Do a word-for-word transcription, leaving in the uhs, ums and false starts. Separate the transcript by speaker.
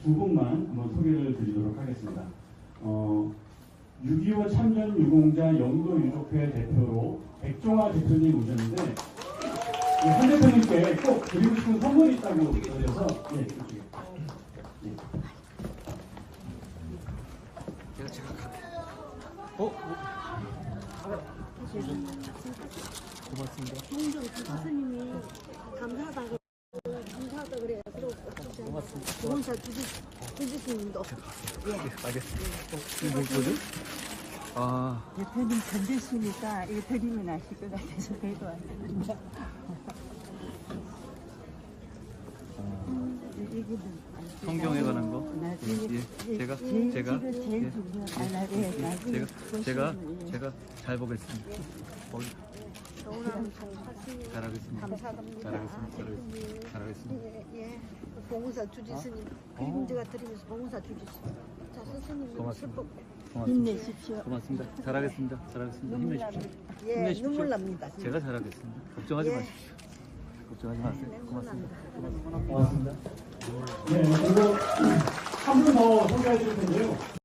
Speaker 1: 두 분만 한번 소개를 드리도록 하겠습니다. 어, 육이오 참전 유공자 영도 유족회 대표로 백종화 대표님 오셨는데, 예, 한 대표님께 꼭 드리고 싶은 선물이 있다고 그래서, 예, 이쪽에. 예.
Speaker 2: 제가 제가 갈게요. 어? 고맙습니다.
Speaker 3: 홍정 교수님이 감사하다고 감사하다 그래요. 그리고
Speaker 2: 고맙습니다.
Speaker 3: 조공사 주지 주지님도
Speaker 2: 예, 알겠습니다. 어, 이거 뭐죠? 아,
Speaker 4: 대표님 던졌으니까 이거 드리면 아실 것 같아서 들고 왔습니다. 이거는
Speaker 2: 성경에 관한 거.
Speaker 4: 나중에
Speaker 2: 예, 예. 제가
Speaker 4: 제일
Speaker 2: 제가
Speaker 4: 지금 제일
Speaker 2: 예.
Speaker 4: 중요한 아, 예, 나중에
Speaker 2: 제가 제가
Speaker 4: 보시면, 예.
Speaker 2: 제가 잘 보겠습니다. 어,
Speaker 3: 좋은 송사님
Speaker 2: 잘하겠습니다.
Speaker 3: 감사합니다.
Speaker 2: 잘하겠습니다. 잘하겠습니다. 잘하겠습니다.
Speaker 3: 예, 예. 봉사 주지 스님 그림 제가 드리면서 봉사 주지 스님. 자 스님
Speaker 2: 고맙습니다.
Speaker 3: 슬퍼.
Speaker 2: 고맙습니다.
Speaker 4: 힘내십시오.
Speaker 2: 고맙습니다. 잘하겠습니다. 잘하겠습니다.
Speaker 4: 눈물
Speaker 2: 힘내십시오.
Speaker 3: 예,
Speaker 2: 힘내십시오.
Speaker 3: 눈물 납니다.
Speaker 2: 제가 잘하겠습니다. 걱정하지
Speaker 3: 예.
Speaker 2: 마십시오. 걱정하지 마세요.
Speaker 3: 눈물
Speaker 2: 고맙습니다.
Speaker 3: 납니다.
Speaker 1: 고맙습니다. 네, 그리고 한 분 더 소개해 드릴 텐데요.